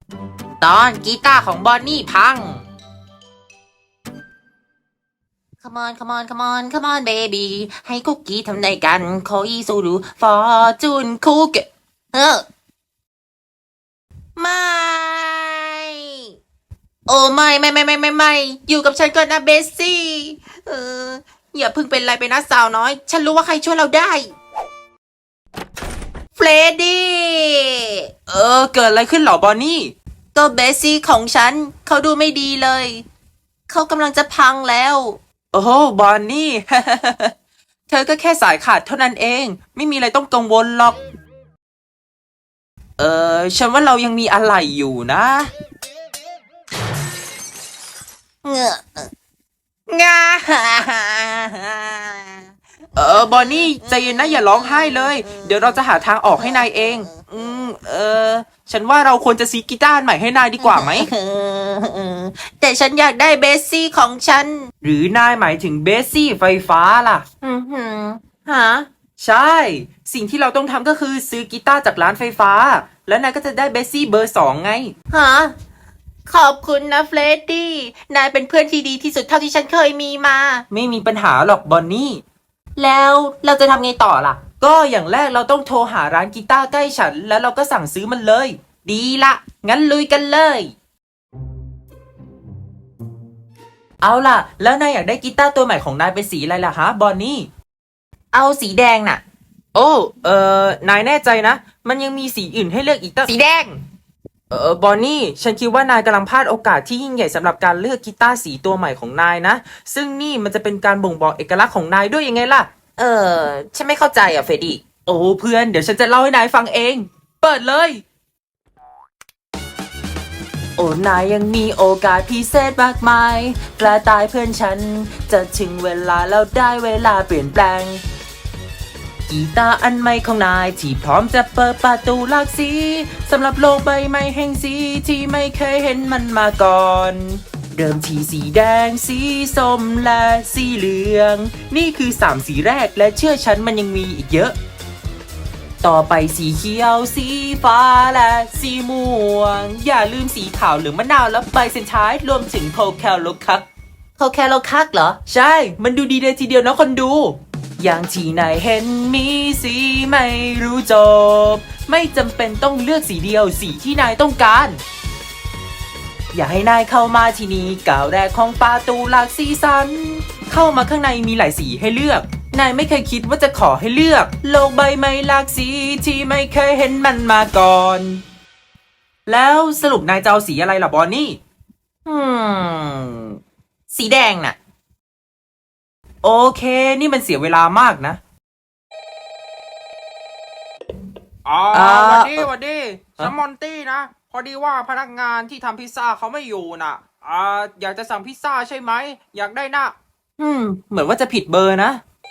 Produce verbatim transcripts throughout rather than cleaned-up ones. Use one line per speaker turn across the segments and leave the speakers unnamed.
ตอนกีตาร์ของบอนนี่พัง Come on come on come on come on baby ให้คุกกี้ทำได้กันคอยสูดูฟอร์จูนคุกเออไม่โอ้ไม่ไม่ไม่ไม่ไม่ไม่อยู่กับฉันก่อนนะเบสซี่เอออย่าเพิ่งเป็นไรไปนะสาวน้อย ฉันรู้ว่าใครช่วยเราได้เฟรดดี้เออเกิดอะไรขึ้นหรอบอนนี่ก็เบสซี่ของฉันเขาดูไม่ดีเลยเขากำลังจะพังแล้วโอ้โหบอนนี่ เธอก็แค่สายขาดเท่านั้นเองไม่มีอะไรต้องกังวลหรอกเออฉันว่าเรายังมีอะไรอยู่นะเงอะงาเออบอนนี่ใจเย็นนะอย่าร้องไห้เลยเดี๋ยวเราจะหาทางออกให้นายเองอืมเออฉันว่าเราควรจะซื้อกีตาร์ใหม่ให้นายดีกว่าไหมแต่ฉันอยากได้เบสซี่ของฉันหรือนายหมายถึงเบสซี่ไฟฟ้าล่ะอืมฮะใช่สิ่งที่เราต้องทำก็คือซื้อกีตาร์จากร้านไฟฟ้าแล้วนายก็จะได้เบสซี่เบอร์สองไงฮะขอบคุณนะเฟรดดี้นายเป็นเพื่อนที่ดีที่สุดเท่าที่ฉันเคยมีมาไม่มีปัญหาหรอกบอนนี่แล้วเราจะทำไงต่อล่ะก็อย่างแรกเราต้องโทรหาร้านกีตาร์ใกล้ฉันแล้วเราก็สั่งซื้อมันเลยดีละงั้นลุยกันเลยเอาล่ะแล้วนายอยากได้กีตาร์ตัวใหม่ของนายเป็นสีอะไรล่ะฮะบอนนี่เอาสีแดงน่ะโอ้เออนายแน่ใจนะมันยังมีสีอื่นให้เลือกอีกตั้งสีแดงเออบอนนี่ฉันคิดว่านายกำลังพลาดโอกาสที่ยิ่งใหญ่สำหรับการเลือกกีตาร์สีตัวใหม่ของนายนะซึ่งนี่มันจะเป็นการบ่งบอกเอกลักษณ์ของนายด้วยยังไงล่ะเออฉันไม่เข้าใจอ่ะเฟรดดี้โอ้เพื่อนเดี๋ยวฉันจะเล่าให้นายฟังเองเปิดเลยโอ้นายยังมีโอกาสพิเศษมากมายกระต่ายเพื่อนฉันจะถึงเวลาแล้วได้เวลาเปลี่ยนแปลงกีตาร์อันใหม่ของนายที่พร้อมจะเปิดประตูหลากสีสำหรับโลกใบใหม่แห่งสีที่ไม่เคยเห็นมันมาก่อนเริ่มที่สีแดงสีส้มและสีเหลืองนี่คือสามสีแรกและเชื่อฉันมันยังมีอีกเยอะต่อไปสีเขียวสีฟ้าและสีม่วงอย่าลืมสีขาวหรือมะนาวและใบเซนท้ายรวมถึงโคแคลโลคักโคแคลโลคักเหรอใช่มันดูดีเลยทีเดียวนะคนดูอย่างที่นายเห็นมีสีไม่รู้จบไม่จำเป็นต้องเลือกสีเดียวสีที่นายต้องการอย่าให้นายเข้ามาที่นี่ก้าวแรกของประตูหลากสีสันเข้ามาข้างในมีหลายสีให้เลือกนายไม่เคยคิดว่าจะขอให้เลือกโลกใบใหม่หลากสีที่ไม่เคยเห็นมันมาก่อนแล้วสรุปนายจะเอาสีอะไรล่ะบอนนี่อืมสีแดงน่ะโอเคนี่มันเสียเวลามากนะ
อ๋อ
อ่า
หวันดีหวันดี
ฮะ
ฉันมอนตี้นะ พอดีว่าพนักงานที่ทำพิซซ่าเขาไม่อยู่น่ะอ่าอยากจะสั่งพิซซ่าใช่ไหม อยากได้นะ
อืมเหมือนว่าจะผิดเบอร์นะ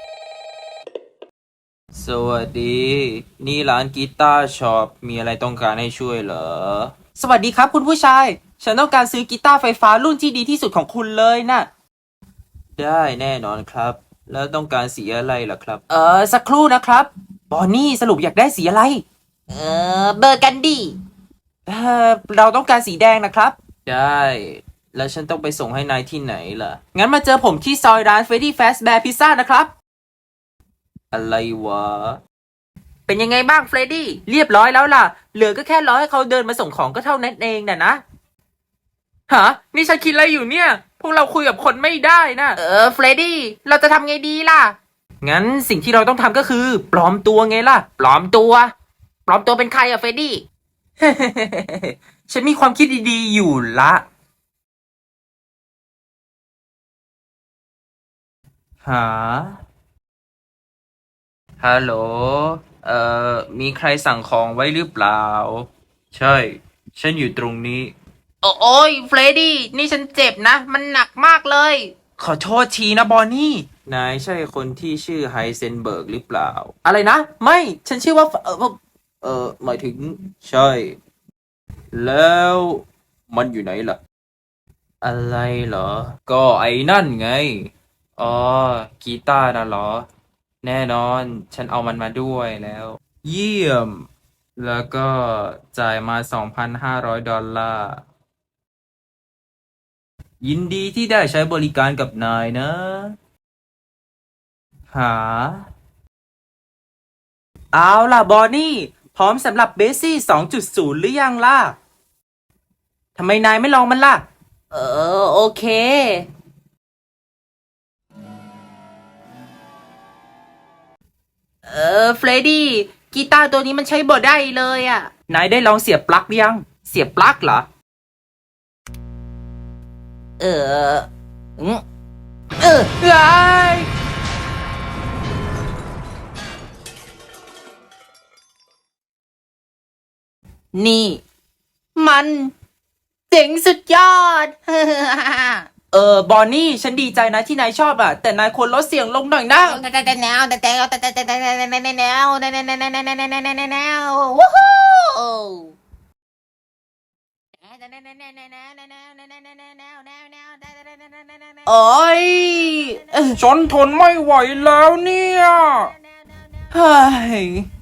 สวัสดี นี่ร้านกีตาร์ช็อปมีอะไรต้องการให้ช่วยเหรอสวัสดีครับคุณผู้ชาย ฉันต้องการซื้อกีตาร์ไฟฟ้ารุ่นที่ดีที่สุดของคุณเลยนะได้แน่นอนครับ แล้วต้องการสีอะไรล่ะครับ เออสักครู่นะครับบอนนี่สรุปอยากได้สีอะไร เออเบอร์กันดีเออเราต้องการสีแดงนะครับ ได้ แล้วฉันต้องไปส่งให้นายที่ไหนล่ะ งั้นมาเจอผมที่ซอยร้าน Freddy Fazbear Pizza นะครับ อะไรวะ เป็นยังไงบ้างเฟรดดี้เรียบร้อยแล้วล่ะ เหลือก็แค่รอให้เขาเดินมาส่งของก็เท่านั้นเองน่ะนะฮะนี่ฉันคิดอะไรอยู่เนี่ย พวกเราคุยกับคนไม่ได้นะเออเฟรดดี้เราจะทำไงดีล่ะ งั้นสิ่งที่เราต้องทำก็คือ ปลอมตัวไงล่ะ ปลอมตัว ปลอมตัวเป็นใครอะเฟรดดี้ ฉันมีความคิดดีๆอยู่ละหาฮัลโหลเอ่อมีใครสั่งของไว้หรือเปล่า ใช่ ฉันอยู่ตรงนี้ โอ้โอ้ยเฟรดดี้นี่ฉันเจ็บนะ มันหนักมากเลย ขอโทษทีนะบอนนี่ นายใช่คนที่ชื่อไฮเซนเบิร์กหรือเปล่า อะไรนะ ไม่ ฉันชื่อว่า เออเออหมายถึง ใช่ แล้วมันอยู่ไหนล่ะ อะไรเหรอ ก็ไอ้นั่นไง อ๋อ กีตาร์น่ะเหรอ แน่นอน ฉันเอามันมาด้วยแล้ว เยี่ยมแล้วก็จ่ายมา สองพันห้าร้อย ดอลลาร์ ยินดีที่ได้ใช้บริการกับนายนะ หา เอาล่ะบอนนี่ พร้อมสำหรับเบสซี่ สองจุดศูนย์ หรือยังล่ะ ทำไมนายไม่ลองมันล่ะ เออ โอเค เออ เฟรดดี้ กีตาร์ตัวนี้มันใช้บ่ได้เลยอ่ะ นายได้ลองเสียบปลั๊กหรือยัง เสียบปลั๊กเหรอ เอออืมเออไอ้ยนี่ มันเจ๋งสุดยอด เออบอนนี่ ฉันดีใจนะที่นายชอบอ่ะ แต่นายควรลดเสียงลงหน่อยนะ
แต่แต่แนวแต่แต่แต่แต่แต่แต่แนวแนวแนวแนวแนวแนวแนวแนวแนวแนวแนวแนววู้ฮู้
โอ้ยเออ
ฉันทนไม่ไหวแล้วเนี่ย
เฮ้ย